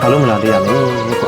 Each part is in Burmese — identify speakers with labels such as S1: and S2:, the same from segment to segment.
S1: ဘာလို့မလာသေးရလဲကွာ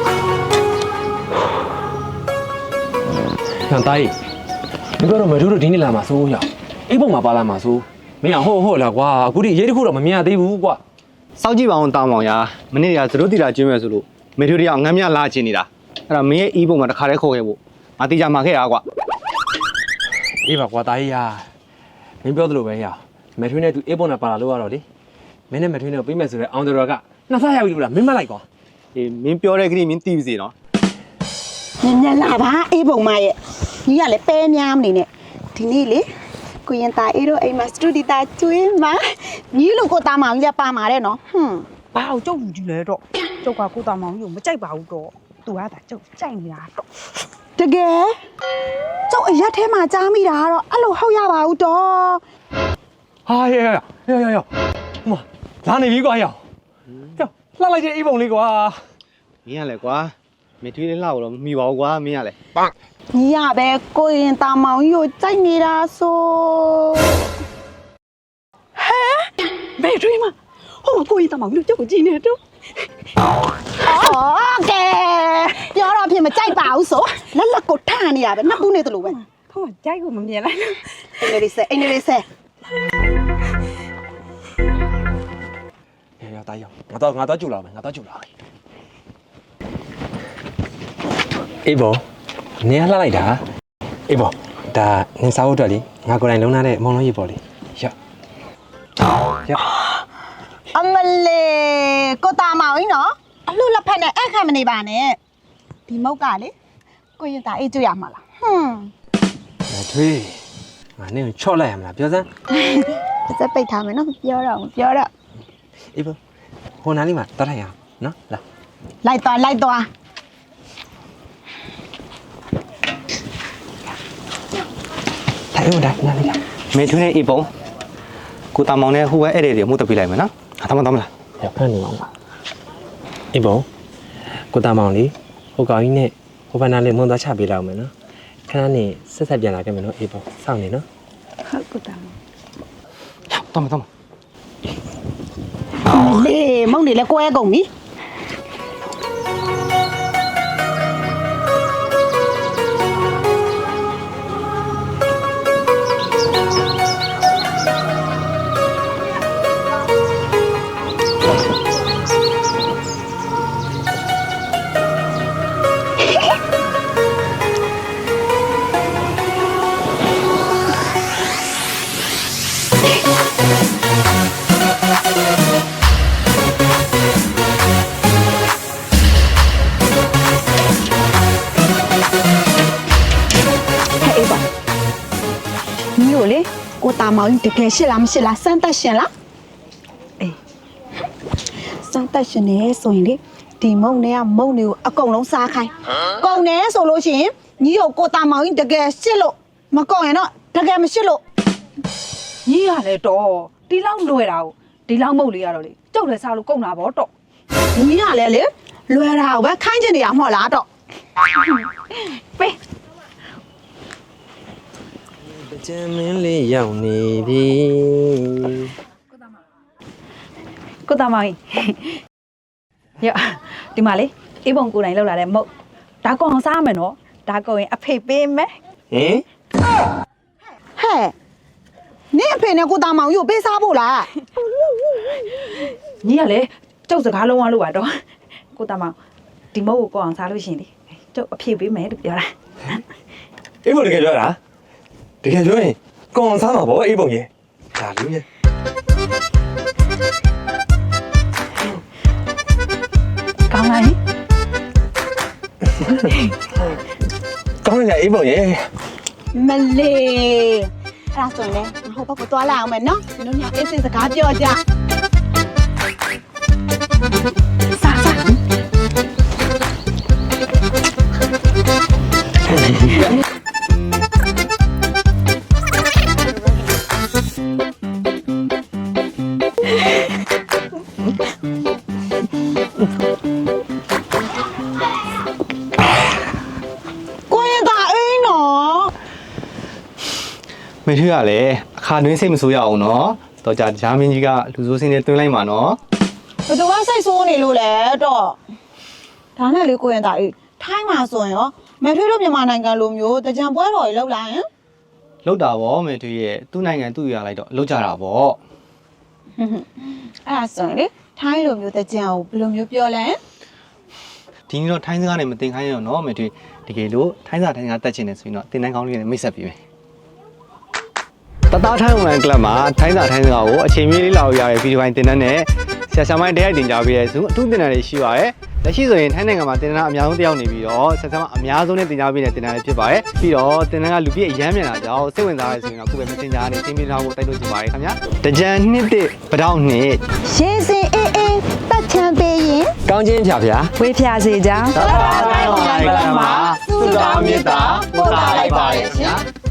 S1: ဟန်တိုင်းဒီကတော့မတို့တို့ဒီနေ့လာမှာစိုးရအိမ်ပုံမှာပါလာမှာစိုးမင်းဟုတ်လားကွာအခုဒီရေးတစ်ခုတော့မမြင်ရသေးဘူးကွာ
S2: စောက်ကြည့်ပါအောင်တောင်းပါအောင်ရာမနေ့ကသတို့တီတာကျွေးမယ်ဆိုလို့မေထွေးတွေကငမ်းမြလာချင်နေတာအဲ့ဒါမင်းရဲ့အီးပုံမှာတစ်ခါတည်းခေါ်ခဲ့ဖို့ငါတီချာမှာခဲ့ရကွာ
S1: အေးပါကွာတာကြီးရမင်းပြောသလိုပဲရမေထွေးနဲ့သူအေးပုံနဲ့ပါလာလို့ရတော့လေမင်းနဲ့မေထွေးနဲ့ပြီးမယ်ဆိုတော့အောင်တော်ကနှစ်ဆရပြီလို့လားမင်းမလိုက်ကွာ
S2: အေးမင်းပြောတဲ့ခရီးမင်းတီးပြီစေနော်
S3: ညလာပါအေးပုံမရဲ့ညီကလည်းပဲများမနေနဲ့ဒီနေ့လေကိုရင်တာအေးတို့အိမ်မှာစတူဒီတာကျွေးမှာညီလို့ကိုတာမောင်ကြီးလည်းပါမှာတဲ့နော်
S4: ဘာအောင်ကျုပ်ယူကြည့်လဲတော့ကျုပ်ကကိုတာမောင်ကြီးကိုမကြိုက်ပါဘူးတော့သူကဒါကျုပ်ကြိုက်နေတာတော့
S3: တကယ်ကျုပ်အရက်ထဲမှာကြားမိတာကတော့အဲ့လိုဟုတ်ရပါဘူးတော့
S1: ဟာရမလာနေပြီကွာရလှလိုက်တဲ့အိမ်ပုံလေးကွာ
S2: မင်းရလဲကွာမေထွေးလေးလှတော့မမီပါဘူးကွာမင်းရလဲ
S3: ညီရပဲကိုရင်တာမောင်ကြီးကိုကြိုက်နေတာဆိုဟဲ့ဘယ်ထွေးမဟုတ်ကိုရင်တာမောင်ကြီးကျုပ်ကိုကြည့်နေတော့အော်ကဲပြောတော့ဖြစ်မကြိုက်ပါဘူးဆိုလက်ကိုထနေရပဲနှစ်ပူးနေသလိုပဲ
S4: ဟုတ်ကကြိုက်ကိုမမြင်လိုက်လို့
S3: အိမ်လေးဆက်
S1: ရတားရငါတော့ကြူလာမယ်အေးဘောနေရလှလိုက်တာအေးဘောဒါနင်စားဖို့အတွက်လေငါကိုယ်တိုင်လုံးထားတဲ့မုံလုံးရေးပေါ်လေရ
S3: အမလေးကိုတာမောင်ကြီးနော်အလှလက်ဖက်နဲ့အခက်မနေပါနဲ့ဒီမုတ်ကလေကိုရင်တာအေးကျွရမှာလား
S1: မထွေးငါနင်ကိုချော့လိုက်ရမလားပြောစမ်း
S3: စက်ပိတ်ထားမယ်နော်ပြောတော့
S1: အေးဘောဟိုနားလေးမှာတတ်ထိုင်ရအောင်နော်လာ
S3: လိုက်သွား
S1: ထိုင်ဦးဒါနားလေး
S2: မေထွေးနဲ့အီးပုံကိုတာမောင်နဲ့ဟိုပဲအဲ့ဒီတွေမှုတက်ပြလိုက်မယ်နော်ဟာတမလား
S1: ရဖတ်နေအောင်ပါအေးဘောကိုတာမောင်လေးဟိုကောင်ကြီးနဲ့ဟိုဘနာလေးမုံသွားချပေးလောက်မယ်နော်ခဏနေဆက်ပြန်လာခဲ့မယ်နော်အေးဘောစောင့်နေနော်
S3: ဟုတ်ကိုတာမောင်
S2: တမ
S3: လေမုံနေလဲကွဲကုန်ပြီကိုတာမောင်ကြီးတကယ်ရှိလားမရှိလားစမ်းသက်ရှင်လားအေးစမ်းသက်ရှင်နေဆိုရင်လေဒီမုံတွေကမုံတွေကိုအကုန်လုံးစားခိုင်းကုန်နေဆိုလို့ရှိရင်ညီကိုတာမောင်ကြီးတကယ်ရှစ်လို့မကုန်ရင်တော့တကယ်မရှိလို့
S4: ညီရလဲတော့ဒီလောက်လွယ်တာကိုဒီလောက်မဟုတ်လေရတော့လေကျုပ်လည်းစားလို့ကုန်တာဗောတော့
S3: ညီကလည်းလေလွယ်တာကိုပဲခိုင်းချင်နေရမှာလားတော့
S4: ပေး
S1: ကျမ်းမင်းလေးရောက်နေပြီ
S4: ကိုတာမောင်ကြီးရဒီမှာလေအေးပုံကိုယ်တိုင်လောက်လာတဲ့မုတ်ဒါကောင်အောင်စားမယ်နော်ဒါကောင်ရင်အဖေပေးမယ်
S1: ဟင်
S3: ဟဲ့နင့်အဖေနဲ့ကိုတာမောင်ကြီးကိုပေးစားဖို့လား
S4: ညီကလေကျုပ်စကားလုံးဝလို့ပါတော့ကိုတာမောင်ဒီမုတ်ကိုကောင်အောင်စားလို့ရှင်လေကျုပ်အဖေပေးမယ်လို့ပြောတာ
S1: အေးဘောတကယ်ပြောတာတကယ်ပြောရင်ကောင်စားမှာဗောအေးပုံရဲ့ဒါလူရဲ့
S4: ကောင်းလား
S1: ကောင်းတယ်အေးပုံရဲ့
S3: မလေးအဲ့ဒါဆိုရင်လေဟိုဘက်ကိုသွားလိုက်အောင်မယ်နော်နင်တို့ညအေးစိတ်စကားပြောကြစားကိုရင်တာအေးနော်
S2: မေထွေးကလည်းအခါတွင်းစိတ်မဆိုးရအောင်နော်တော့ဂျာမင်းကြီးကလူဆိုးစင်းနဲ့တွင်းလိုက်မှာနော်
S3: ဘယ်သူကစိတ်ဆိုးနေလို့လဲတော့ဒါနဲ့လေကိုရင်သားအေးထိုင်းမှာဆိုရင်ရောမထွေးတို့မြန်မာနိုင်ငံလိုမျိုးတကြံပွဲတော်ကြီးလောက်လာရင်
S2: လောက်တာဗောမေထွေးရဲ့သူ့နိုင်ငံသူ့ရလိုက်တော့လောက်ကြတာဗော
S3: အဲ့ဒါဆိုရင်လေထိုင်းလိုမျိုးတကြံကိုဘယ်လိုမျိုးပြောလဲ
S2: ဒီနေ့တော့ထိုင်းစကားနဲ့မတင်ခိုင်းရတော့နော်မေထွေးတကယ်လို့ထိုင်းစာတက်ချင်တယ်ဆိုရင်တော့တင်တန်းကောင်းလေးနဲ့မိတ်ဆက်ပြီးမယ်တသားထိုင်းဝန်ကလပ်မှာထိုင်းစကားကိုအချိန်မီလေးလာလို့ရတဲ့ဗီဒီယိုပိုင်းတင်တန်းနဲ့ဆရာဆရာမတရားတင်ကြပေးရဲဆိုအထူးတင်တန်းလေးရှိပါရဲ့လက်ရှိဆိုရင်ထိုင်းနိုင်ငံမှာတင်တန်းအများဆုံးတယောက်နေပြီးတော့ဆရာဆရာမအများဆုံးနဲ့တင်ကြပေးတဲ့တင်တန်းလေးဖြစ်ပါရဲ့ပြီးတော့တင်တန်းကလူပြည့်အရမ်းမြန်လာကြအောင်စိတ်ဝင်စားရဲဆိုရင်တော့ခုပဲ Messenger နဲ့တင်ပြထားဖို့တိုက်လို့ချင်ပါတယ်ခင်ဗျာတကြံနှစ်တစ်ပတောက်နှစ်
S3: ရေစင်အေးအေးတက်ချမ်းပေးရင်
S1: ကောင်းချင်းဖြာဖြာ
S4: ဝေးဖြာစေကြောင်း
S2: တသားထိုင်းဝန်ကလပ်မှာသုတောင်းမြတ်တာပို့တာလိုက်ပါရဲ့ရှင်